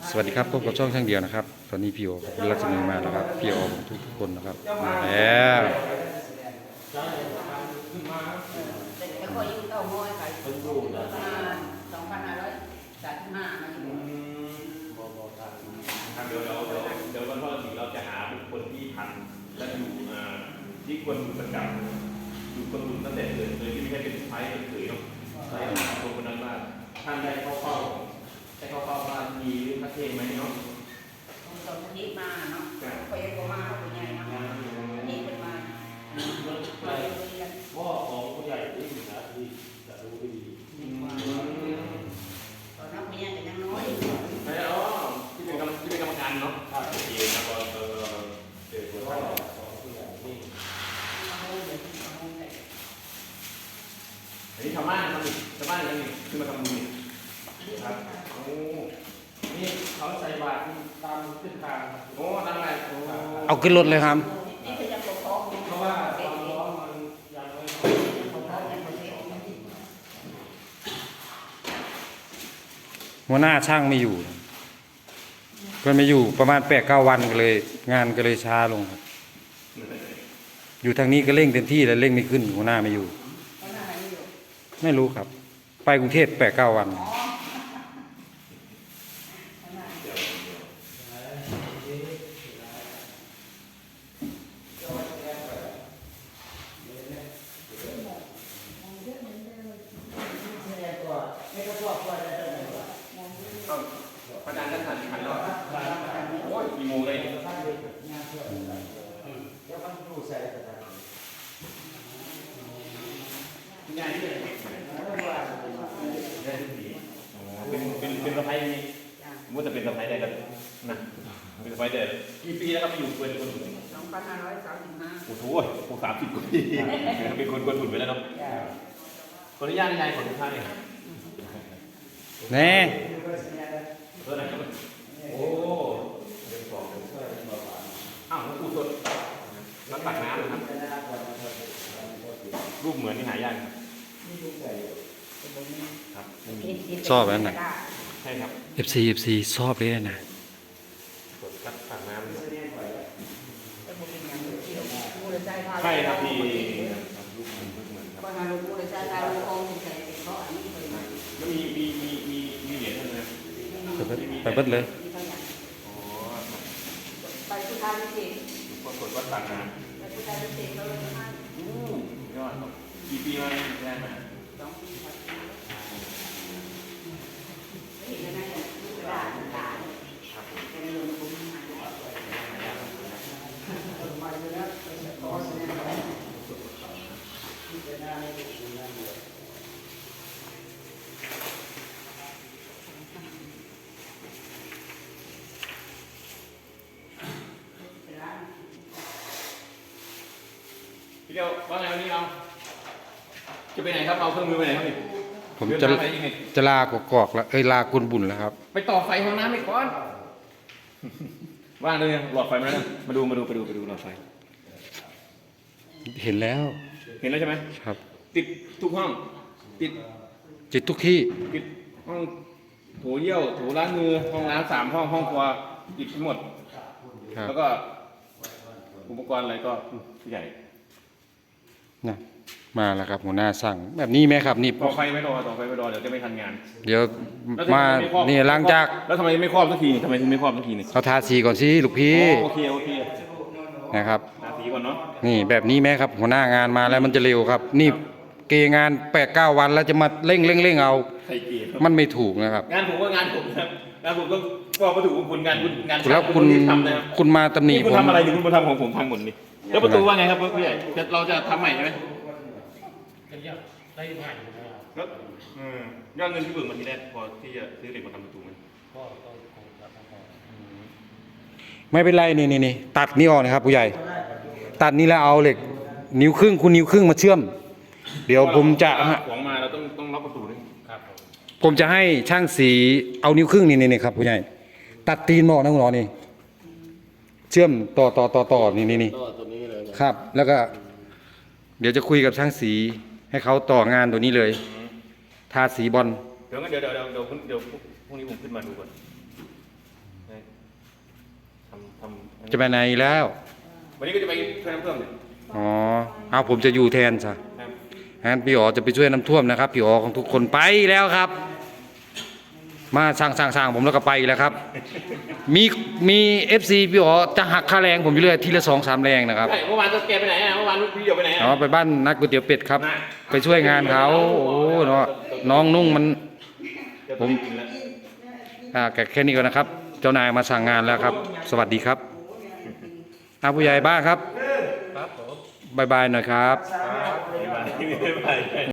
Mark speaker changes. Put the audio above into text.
Speaker 1: สวัสดีครับพบกับช่องช่างเดียวนะครับตอนนี้พี่โอกับรัชนีมาแล้วครับพี่โอทุกคนนะครับมาแล้ว
Speaker 2: แต่คอยอยู่เต้าง้อยขายประมาณ2,535มาอยู่
Speaker 3: เดี๋ยววันพ่อถึงเราจะหาบุคคลที่ทันและอยู่ที่ควรประกาศอยู่คนรุ่นตั้งแต่เกิดเลยที่ไม่ใช่เป็นไพ่เฉยๆเนาะใช่คนคนนั้นว่าท่านได้เข้าเฝ้าบ้านมีพระเทศไหมเนาะ
Speaker 2: ตอนนี้มาเนาะคอยก็มาเป็นไงเนาะนี่เป็นมา
Speaker 4: พ่อของผู้ใหญ่ที่อยู่นะที่จะรู้ดี
Speaker 2: ตอนนั้นผู้ใหญ่ก็ยังน้อย
Speaker 3: ใช่อ๋อที่เป็นกรรมการเนาะโอเคนะพอเจอคนไทย
Speaker 4: ของผู้ใหญ่ที่
Speaker 3: อันนี้ชาวบ้านยังนี่ขึ้นมาทำบุญครับโอ้
Speaker 4: นี่เขาใส่บาตรตามเส้นทาง
Speaker 3: โหทำอะไรโอ้
Speaker 1: เอาขึ้นรถเลยครับ
Speaker 2: นี่คือยังปกครอง
Speaker 4: เพราะว่าความร้อนมันยังไม่
Speaker 1: หัวหน้าช่างไม่อยู่เพื่อนไม่อยู่ประมาณ8-9 วันก็เลยงานก็เลยช้าลงครับอยู่ทางนี้ก็เร่งเต็มที่แล้วเร่งไม่ขึ้นหัวหน้าไม่อยู่ไม่รู้ครับไปกรุงเทพ8-9 วัน
Speaker 3: ประธานท่านหันเนาะโอ้ยกี่โมงเลย
Speaker 4: แล้วมันดูใส่กระดาษ
Speaker 3: งานที่ไหนเป็นสะพ้ายนี่มุดจะเป็นสะพ้ายได้กันนะเป็นสะพ้ายได้กี่ปีแล้วครับไปอยู่คนหุ่น
Speaker 2: 2,535
Speaker 3: โอ้โหผม30 กว่าปีเป็นคนหุ่นไปแล้วเนาะขออนุญาตนายขอทุกท่านเลย
Speaker 1: แน่
Speaker 3: โอ้อ้าวอูสดน้ำตักน้ำนะครับรูปเหมือนนี่หายากครับ
Speaker 1: ชอบอันไหน
Speaker 3: ใช่ครับ
Speaker 1: FC ชอบเลยนะ
Speaker 3: กดตักน้ำ
Speaker 2: ใช่
Speaker 3: ใช่ครับพี่
Speaker 2: ก็มาลูกเลยใช้การลูกองใส่เพราะอันนี้เคยมา
Speaker 3: แล้วมีเหรียญเท่านั้น
Speaker 1: ไปเบิดเลย
Speaker 3: อ๋อ
Speaker 2: ไปพุทธาพิเศษ
Speaker 3: ปรากฏว่าตักน้
Speaker 2: ไปพุทธาพิเศษเราเลยให้
Speaker 3: ำยอดครับกี่ปีมาได้มา
Speaker 2: 2 ปีครับเห็นแล้วนะลูกกระดาษต่างๆแต่ในหลวงปู่หายมาอยู่แล้วขอแสดงความ
Speaker 3: พี่เดียวว่าไงวันนี้เราจะไปไหนครับเอาเครื่องมือไปไหนครับนี่
Speaker 1: ผมจะลากอกแล้วลากุนบุญแล้วครับ
Speaker 3: ไปต่อไฟห้องน้ำไปก่อนว่างเลยหลอดไฟมาแล้วมาดูหลอดไฟ
Speaker 1: เห็นแล้ว
Speaker 3: เห็นแล้วใช่ไหม
Speaker 1: ครับ
Speaker 3: ติดทุกห้องติด
Speaker 1: จิตทุกที่
Speaker 3: ติดห้องโถเยี่ยวโถล้างมือห้องน้ำ3 ห้องห้องครัวติดทั้งหมด
Speaker 1: ครับ
Speaker 3: แล้วก็อุปกรณ์อะไรก็ผู้ใหญ่
Speaker 1: นะมาแล้วครับหัวหน้าสั่งแบบนี้ไหมครับนี่
Speaker 3: ต่อไฟไม่รอเดี๋ยวจะไม่ทันงาน
Speaker 1: เดี๋ยว
Speaker 3: แล้วทำไ
Speaker 1: มา
Speaker 3: ไครอบ
Speaker 1: นี่หลังจาก
Speaker 3: แล้วทำไมไม่ครอบสักทีนี่ทำไมถึงไม่ครอบสักทีนี่
Speaker 1: เขาทาสีก่อนสิลูกพี่
Speaker 3: โอเค
Speaker 1: นะครับ
Speaker 3: ทาสีก่อนเนาะ
Speaker 1: นี่แบบนี้ไหมครับหัวหน้างานมาแล้วมันจะเร็วครับ นี่เกงาน8-9 วันแล้วจะมาเร่งเอา
Speaker 3: ใส่เกียร์
Speaker 1: มันไม่ถูกนะครับ
Speaker 3: งานผมก็งานผมครับงานผมก็บอกว่าถูกของคุณงาน
Speaker 1: แล้วคุณ
Speaker 3: รีบทำนะครับ
Speaker 1: คุณมาตำหนิ
Speaker 3: นี่คุณ
Speaker 1: ผม
Speaker 3: ทำอะไรนี่คุณมาทำของผมพังหมดนี่แล้วประตูว่าไงครับผู้ใหญ่เราจะทำใหม่ใช่ไหม
Speaker 4: กันยากได้ใหม่นะครับ
Speaker 3: แล้วยอดเงินที่เบิกมาทีแรกพอที่จะซื้อเหล็กมาทำประตูไหม
Speaker 4: ก็ต้องคงจะทำต่อ
Speaker 1: ไม่เป็นไรนี่ตัดนี่ออกนะครับผู้ใหญ่ ตัดนี่แล้วเอาเหล็กนิ้วครึ่งคุณนิ้วครึ่งมาเชื่อม เดี๋ยวผมจะ
Speaker 3: ของมาเราต้องล็อกประตูด้วย
Speaker 4: ครับผม
Speaker 1: ผมจะให้ช่างสีเอานิ้วครึ่งนี่ครับผู้ใหญ่ตัดตีนหมอกนะคุณหมอนี่เชื่อมต่อนี่
Speaker 4: ตัวนี้เลย
Speaker 1: ครับ แล้วก็ เดี๋ยวจะคุยกับช่างสีให้เขาต่องานตัวนี้เลยทาสีบอล
Speaker 3: เดี๋ยวพรุ่งนี้ผมขึ้นมาดูก่อน
Speaker 1: จะไปไหนแล้ว
Speaker 3: วันนี้ก็จะไปช่วยน้ำท่วมเนี่ย
Speaker 1: อ๋อเอาผมจะอยู่แทนซะ
Speaker 3: ครับ
Speaker 1: งั้นพี่อ๋อจะไปช่วยน้ำท่วมนะครับพี่อ๋อของทุกคนไปแล้วครับ มาสร้างผมแล้วก็ไปแล้วครับ มีFC พี่อ๋อจะหักค่าแรงผมอยู่เรื่อยทีละ2-3แรงนะครับ
Speaker 3: ใช่เมื่อวานตัวแกไปไหนอ่ะเมื่อวานพี่เดียวไปไหนอ่ะ
Speaker 1: อ๋อไปบ้านนักก๋วยเตี๋ยวเป็ดครับ ไปช่วยงานเขาโอ้เนาะน้องนุ่งมัน
Speaker 3: เดี๋ยว
Speaker 1: ผม
Speaker 3: กินแล้ว
Speaker 1: แค่นี้ก่อนนะครับ เจ้านายมาสั่งงานแล้วครับ สวัสดีครับผู้ใหญ่บ้านครับ
Speaker 4: ครับผม
Speaker 1: บายบายหน่อยครับ
Speaker 4: ครับ